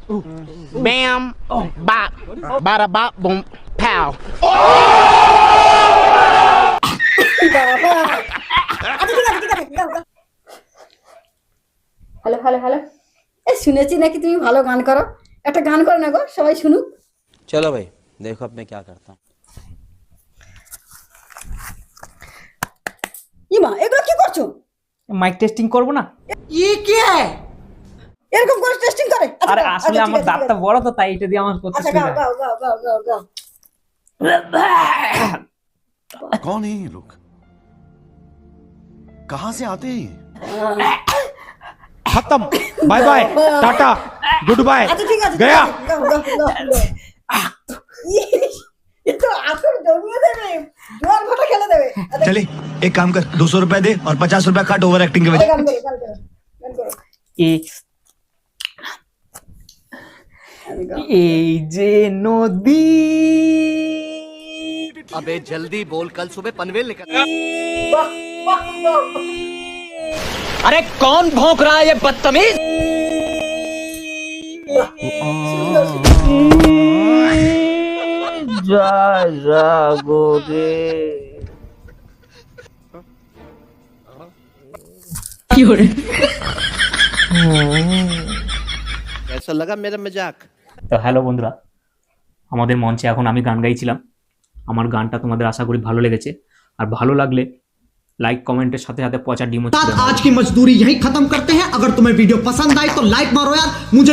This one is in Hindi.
Bam, bop, bada bop, boom, pow. Hello hello hello, এ শুনেছি নাকি তুমি ভালো গান করো, একটা গান করো না গো, সবাই শুনুক। चलो भाई देखो अब मैं क्या करता हूँ। ইমা এগুলো কি করছো? মাইক টেস্টিং করব না? এরকম করে টেস্টিং করে? আচ্ছা, আরে গাও, আসলে আচ্ছা, আমার ঠিক আছে, দাঁতটা বড় তো, তাই এটা দিয়ে আমার করতে আচ্ছা সুবিধা গাও হয়। গাও গাও গাও গাও গাও। कौन है ये लोग? कहां से आते हैं? खत्म, bye bye, tata, good bye, আচ্ছা ঠিক আছে, गया। গাও গাও গাও গাও। ইস, এ তো আসল জমিয়ে দেবে, জোয়ার ভাটা খেলে দেবে। আচ্ছা, चले एक काम कर 200 रुपए दे और 50 रुपए काट ओवर एक्टिंग के वजह। গান করো গান করো গান করো। এই যে নদী, अबे जल्दी बोल, कल सुबह पनवेल निकल। বাহ বাহ বাহ। अरे कौन भौंक रहा है ये बदतमीज? যা জাগো রে। कैसा लगा मेरा मजाक? তো হ্যালো বন্ধুরা, আমাদের মঞ্চে এখন আমি গান গাইছিলাম। আমার গানটা তোমাদের আশা করি ভালো লেগেছে, আর ভালো লাগলে लाइक कमेंटेर साथे साथे पचा डिमो। आज की मजदूरी यही खत्म करते हैं। अगर तुम्हें वीडियो पसंद आई तो लाइक मारो यार। मुझे